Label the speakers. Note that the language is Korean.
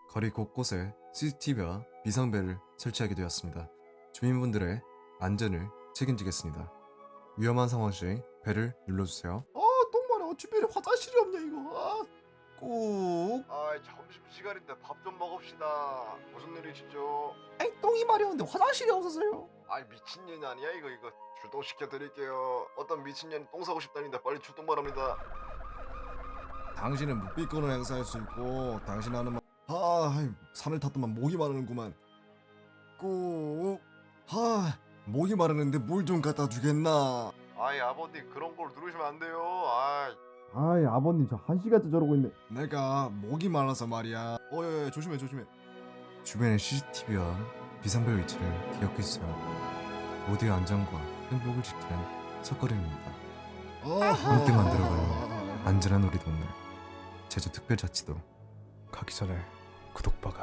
Speaker 1: 거리 곳곳에 CCTV와 비상벨을 설치하게 되었습니다. 주민분들의 안전을 책임지겠습니다. 위험한 상황 시 벨을 눌러주세요.
Speaker 2: 똥마려 주변에 화장실이 없냐 이거. 꾹.
Speaker 3: 점심시간인데 밥 좀 먹읍시다. 무슨 일이시죠?
Speaker 2: 아이 똥이 마려운데 화장실이 없어서요.
Speaker 3: 아이 미친년 아니야 이거 출동시켜드릴게요. 어떤 미친년이 똥 싸고 싶다는데 빨리 출동 바랍니다.
Speaker 2: 당신은 묵비권을 행사할 수 있고 당신 하는 말. 산을 탔더만 목이 마르는구만. 꾹. 목이 마르는데 물 좀 갖다 주겠나.
Speaker 3: 아이 아버님 그런 걸 누르시면 안 돼요.
Speaker 2: 아버님 저 1시간째 저러고 있네. 내가 목이 말라서 말이야. 야, 조심해.
Speaker 1: 주변의 CCTV와 비상벨 위치를 기억해주세요. 모두의 안전과 행복을 지키는 첫걸음입니다. 문득 만들어가요. 안전한 우리 동네 제주특별자치도 가기 전에 구독 박아